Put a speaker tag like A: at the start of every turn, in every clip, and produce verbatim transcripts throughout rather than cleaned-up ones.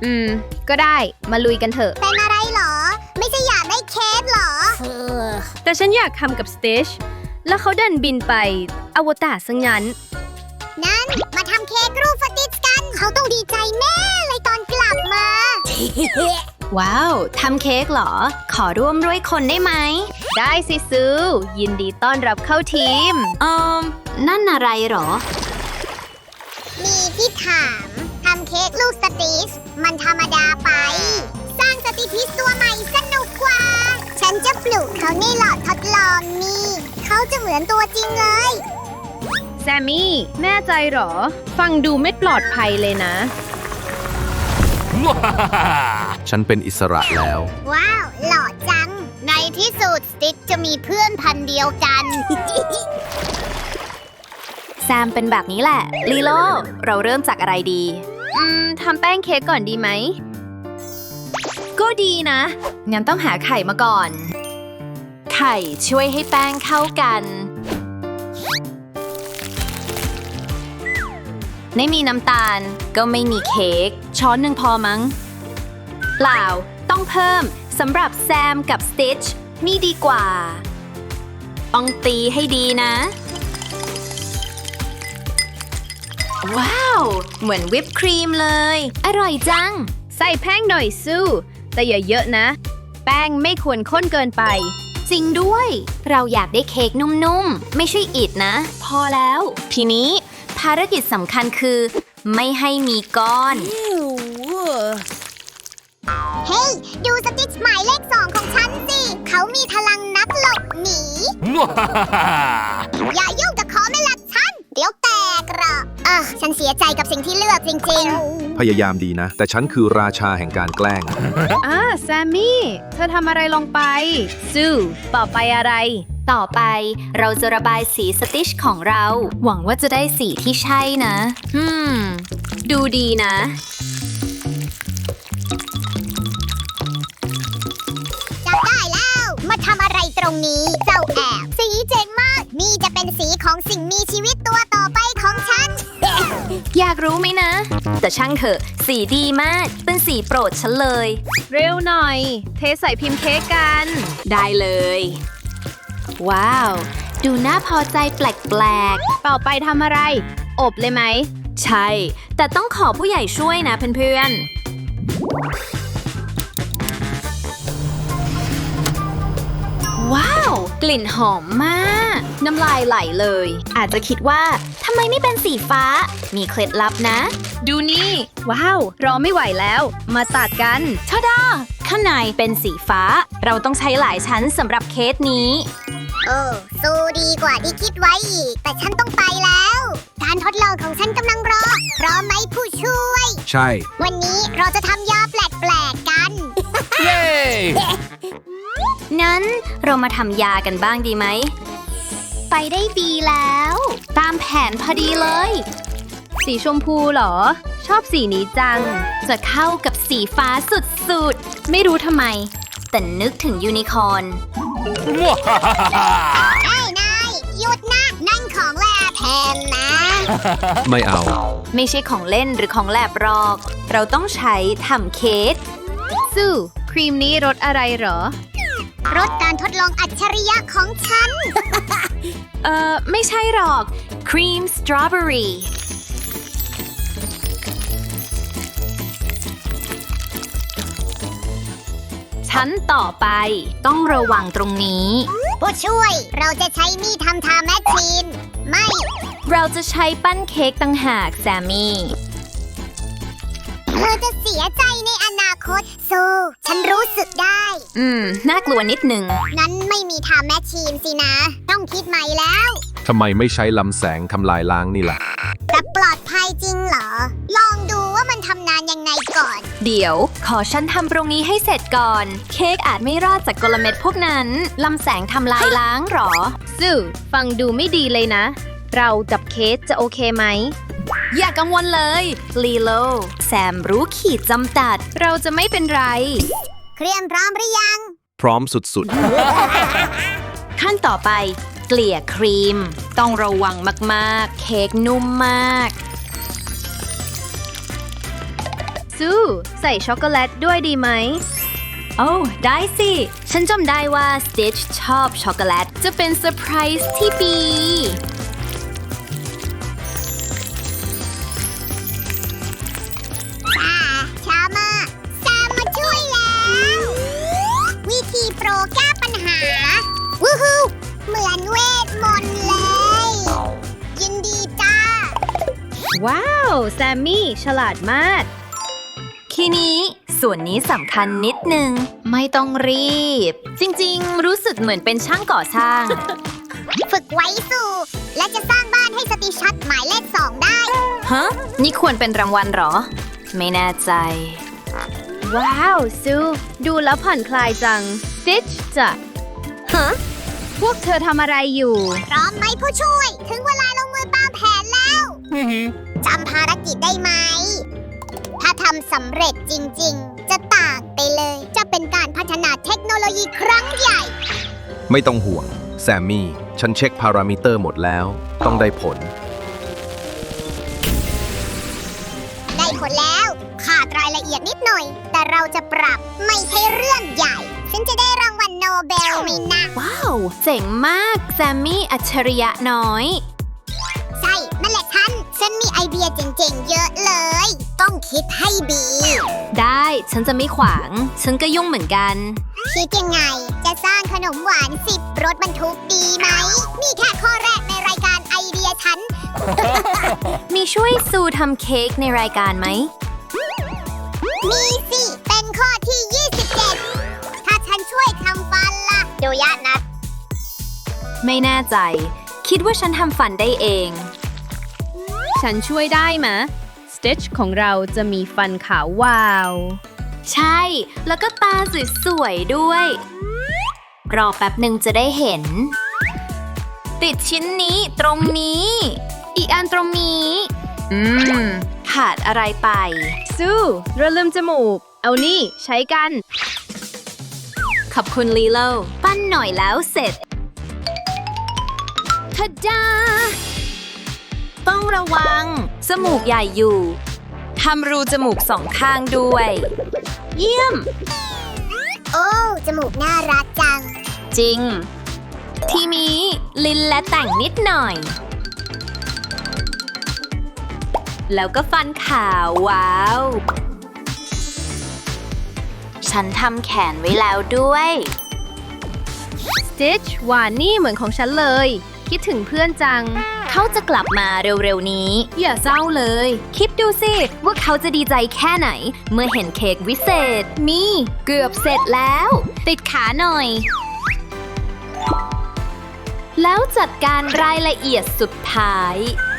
A: อืมก็ได้มาลุยกันเถอะ
B: เป็นอะไรเหรอไม่ใช่อยากได้เค้กเหรอ
A: แต่ฉันอยากทำกับสเตชแล้วเขาดันบินไปอวตารซะงั้น
B: นั้นมาทำเค้กรูปสติชกันเขาต้องดีใจแม่เลยตอนกลับมา
C: ว้าวทำเค้กเหรอขอร่วมด้วยคนได้ไหม
A: ได้สิซูยินดีต้อนรับเข้าทีม
C: เอ่อนั่นอะไรเหรอ
B: มีที่ถามทำเค้กลูกสติชมันธรรมดาไปสร้างสติทิสตัวใหม่สนุกกว่าฉันจะปลูกเขาในหลอดทดลองนี่เขาจะเหมือนตัวจริงเลย
A: แซมมี่แน่ใจเหรอฟังดูไม่ปลอดภัยเลยนะ
D: ฉันเป็นอิสระแล้ว
B: ว้าวหล่อจังในที่สุดสติชจะมีเพื่อนพันเดียวกัน
C: แซมเป็นแบบนี้แหละลีโลเราเริ่มจากอะไรดี
A: อืมทำแป้งเค้กก่อนดีไหม
C: ก็ดีนะงั้นต้องหาไข่มาก่อนไข่ช่วยให้แป้งเข้ากันไม่มีน้ำตาลก็ไม่มีเค้กช้อนหนึ่งพอมั้งเปล่าต้องเพิ่มสำหรับแซมกับสติชนี่ดีกว่าต้องตีให้ดีนะว้าวเหมือนวิปครีมเลยอร่อยจัง
A: ใส่แป้งหน่อยซูแต่อย่าเยอะนะแป้งไม่ควรข้นเกินไป
C: จริงด้วยเราอยากได้เค้กนุ่มๆไม่ใช่อิฐนะพอแล้วทีนี้ภารกิจสำคัญคือไม่ให้มีก้อน
B: เฮ้ hey, ดูสติชหมายเลขสองของฉันสิเขามีพลังนักหลบหนี อย่ายุ่งกับคอไม่ลัดฉันเดี๋ยวแตกหรอกเออฉันเสียใจกับสิ่งที่เลือกจริง
D: ๆพยายามดีนะแต่ฉันคือราชาแห่งการแกล้ง
A: อ่าแซมมี่เธอทำอะไรลงไปซูต่อไปอะไร
C: ต่อไปเราจะระบายสีสติชของเราหวังว่าจะได้สีที่ใช่นะฮึมดูดีนะ
B: จับได้แล้วมาทำอะไรตรงนี้เจ้าแอบสีเจ๋งมากนี่จะเป็นสีของสิ่งมีชีวิตตัวต่อไปของฉัน
C: อยากรู้ไหมนะแต่ช่างเถอะสีดีมากเป็นสีโปรดฉันเลย
A: เร็วหน่อยเทใส่พิมพ์เค้กกัน
C: ได้เลยว้าวดูน่าพอใจแปลก
A: ๆต่อไปทำอะไรอบเลยไหม
C: ใช่แต่ต้องขอผู้ใหญ่ช่วยนะเพื่อนๆว้าวกลิ่นหอมมากน้ำลายไหลเลยอาจจะคิดว่าทำไมไม่เป็นสีฟ้ามีเคล็ดลับนะ
A: ดูนี่ว้าวรอไม่ไหวแล้วมาตัดกัน
C: ทาดาข้างในเป็นสีฟ้าเราต้องใช้หลายชั้นสำหรับเค้กนี้
B: โอ้สู้ดีกว่าที่คิดไว้อีกแต่ฉันต้องไปแล้วการทดลองของฉันกำลังรอพร้อมไหมผู้ช่วย
D: ใช่
B: วันนี้เราจะทำยาแปลกๆกัน
D: เย้
C: งั้นเรามาทำยากันบ้างดีไหมไปได้ดีแล้วตามแผนพอดีเลย
A: สีชมพูเหรอชอบสีนี้จัง
C: จะเข้ากับสีฟ้าสุดๆไม่รู้ทำไมแต่นึกถึงยูนิคอร์น
B: ไอ้นายหยุดนะนั่นของแลบแทนนะ
D: ไม่เอา
C: ไม่ใช่ของเล่นหรือของแลบหรอกเราต้องใช้ทำเค้ก
A: ซูครีมนี้รสอะไรเหรอ
B: รสการทดลองอัจฉริยะของฉัน
C: เอ่อไม่ใช่หรอกครีมสตรอเบอรี่ชั้นต่อไปต้องระวังตรงนี้
B: ผู้ช่วยเราจะใช้มีดทำทาแมชชีนไม่
C: เราจะใช้ปั้นเค้กต่างหากแซมมี่
B: เธอจะเสียใจในอนาคตซูฉันรู้สึกได้
C: อืมน่ากลัวนิดหนึ่ง
B: งั้นไม่มีทาแมชชีนสินะต้องคิดใหม่แล้ว
D: ทำไมไม่ใช้ลำแสงทำลายล้างนี่ล่ะ
B: แต่ปลอดภัยจริงเหรอลองดูว่ามันทำนานยังไงก่อน
C: เดี๋ยวขอฉันทำตรงนี้ให้เสร็จก่อนเค้กอาจไม่รอดจากกลเม็ดพวกนั้นลำแสงทำลายล้างหรอ
A: ซูฟังดูไม่ดีเลยนะเรากับเคสจะโอเคไหม
C: อย่ากังวลเลยลีโลแซมรู้ขีดจำกัดเราจะไม่เป็นไร
B: เครียมพร้อมหรือยัง
D: พร้อมสุดๆ
C: ขั้นต่อไปเกลี่ยครีมต้องระวังมากๆเค้กนุ่มมาก
A: ซูซูใส่ช็อกโกแลตด้วยดีไหม
C: โอ้ ได้สิ ฉันจำได้ว่า Stitch ชอบช็อกโกแลต จะเป็นเซอร์ไพรส์ที่ดี
B: ตาช้ามาแซมมาช่วยแล้ว วิธีโปรแก้ปัญหา วู้ฮู้เหมือนเวทมนต์เลย ยินดีจ้า
A: ว้าว แซมมี่ ฉลาดมาก
C: ทีนี้ส่วนนี้สำคัญนิดนึง ไม่ต้องรีบ จริงๆ รู้สึกเหมือนเป็นช่างก่อสร้าง
B: ฝึกไว้สู่ และจะสร้างบ้านให้สติชัดหมายเลขสองได้
C: ฮะ นี่ควรเป็นรางวัลเหรอ ไม่แน่ใจ
A: ว้าว ซูดูแล้วผ่อนคลายจัง Stitch จะฮะ พวกเธอทำอะไรอยู่
B: พร้อมไหมผู้ช่วย ถึงเวลาลงมือตามแผนแล้ว จำภารกิจได้ไหม ถ้าทำสำเร็จจริงๆ จะต่างไปเลย จะเป็นการพัฒนาเทคโนโลยีครั้งใหญ่
D: ไม่ต้องห่วง แซมมี่ ฉันเช็คพารามิเตอร์หมดแล้ว ต้องได้ผล
B: ได้ผลแล้ว ขาดรายละเอียดนิดหน่อย แต่เราจะปรับไม่ใช่เรื่องใหญ่ ฉันจะได้รางวัลโนเบลไหมนะ
C: ว้าว เจ๋งมากแซมมี่อัจฉริยะน้อย
B: ใช่ นั่นแหละฉัน ฉันมีไอเดียเจ๋งๆ เยอะเลย ต้องคิดให้ดี
C: ได้ฉันจะไม่ขวาง ฉันก็ยุ่งเหมือนกัน
B: คิดยังไง จะสร้างขนมหวานสิบรถบรรทุกดีไหม นี่แค่ข้อแรกในรายการไอเดียฉัน
C: มีช่วยซูทำเค้กในรายการไหม
B: มีสิ เป็นข้อที่ ยี่สิบเจ็ด ถ้าฉันช่วยทำฟันล่ะดูยะนัด
C: ไม่แน่ใจ คิดว่าฉันทำฟันได้เอง
A: ฉันช่วยได้มะ Stitch ของเราจะมีฟันขาววาว
C: ใช่ แล้วก็ตาสวยๆด้วย รอแป๊บหนึ่งจะได้เห็น ติดชิ้นนี้ตรงนี้ อีกอันตรงนี้ อืม ขาดอะไรไป
A: ซูเราลืมจมูก เอานี่ใช้กัน
C: ขอบคุณลีโลปั้นหน่อยแล้วเสร็จทะดา ต้องระวัง จมูกใหญ่อยู่ ทำรูจมูกสองข้างด้วย เยี่ยม
B: โอ้ จมูกน่ารักจัง
C: จริง ทีนี้ลินและแต่งนิดหน่อย แล้วก็ฟันขาวว้าว ฉันทำแขนไว้แล้วด้วย
A: Stitch หวานนี่เหมือนของฉันเลย คิดถึงเพื่อนจัง
C: เขาจะกลับมาเร็วๆนี้ อย่าเศร้าเลย คิดดูสิว่าเขาจะดีใจแค่ไหน เมื่อเห็นเค้กวิเศษ มีเกือบเสร็จแล้ว ติดขาหน่อย แล้วจัดการรายละเอียดสุดท้าย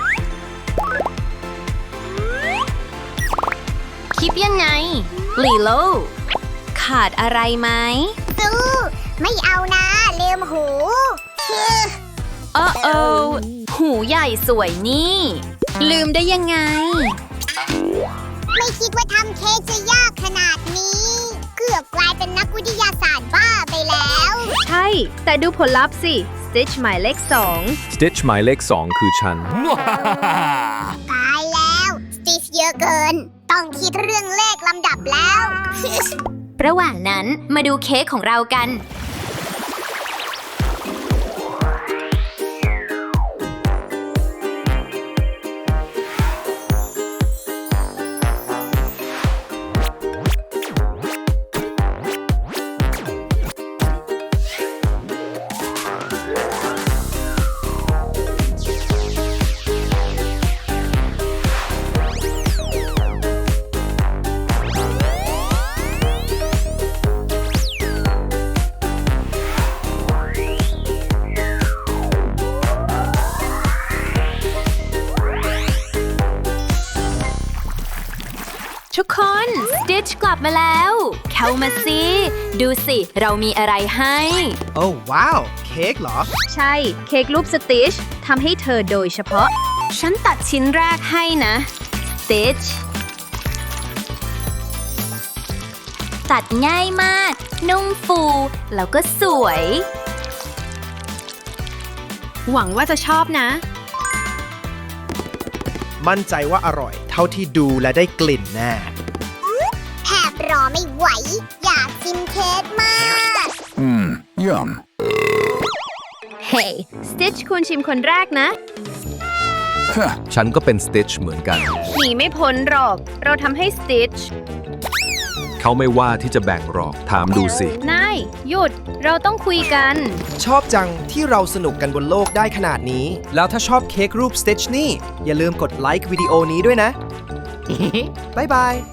C: คิดยังไงลีโลขาดอะไรไหม
B: ซูไม่เอานะลืมหู
C: โอ้โอหูใหญ่สวยนี่ ลืมได้ยังไง
B: ไม่คิดว่าทำเค้กจะยากขนาดนี้ เกือบกลายเป็นนักวิทยาศาสตร์บ้าไปแล้ว
A: ใช่ แต่ดูผลลัพธ์สิ Stitch หมายเลขสอง
D: Stitch หมายเลขสองคือฉัน
B: ตายแล้วสติชเยอะเกิน ต้องคิดเรื่องเลขลำดับแล้ว
C: ระหว่างนั้นมาดูเค้กของเรากัน ทุกคน Stitch กลับมาแล้ว เข้ามาสิ ดูสิ เรามีอะไรให้
E: โอ้ว้าว เค้กเหรอ
A: ใช่ เค้กรูป Stitch ทำให้เธอโดยเฉพาะ
C: ฉันตัดชิ้นแรกให้นะ Stitch ตัดง่ายมาก นุ่มฟู แล้วก็สวย
A: หวังว่าจะชอบนะ
E: มั่นใจว่าอร่อย เท่าที่ดูและได้กลิ่นแน่
B: รอไม่ไหว อยากกินเค้กมาก
F: Mmm, yum.
A: เฮ้ยสติชคุณชิมคนแรกนะ
F: Huh.
D: ฉันก็เป็นสติชเหมือนกัน
A: หนีไม่พ้นหรอก เราทำให้สติช
D: เขาไม่ว่าที่จะแบ่งหรอก ถามดูสิ
A: นาย หยุด เราต้องคุยกัน
E: ชอบจังที่เราสนุกกันบนโลกได้ขนาดนี้ แล้วถ้าชอบเค้กรูป Stitch นี่ อย่าลืมกดไลค์วิดีโอนี้ด้วยนะ บ๊ายบาย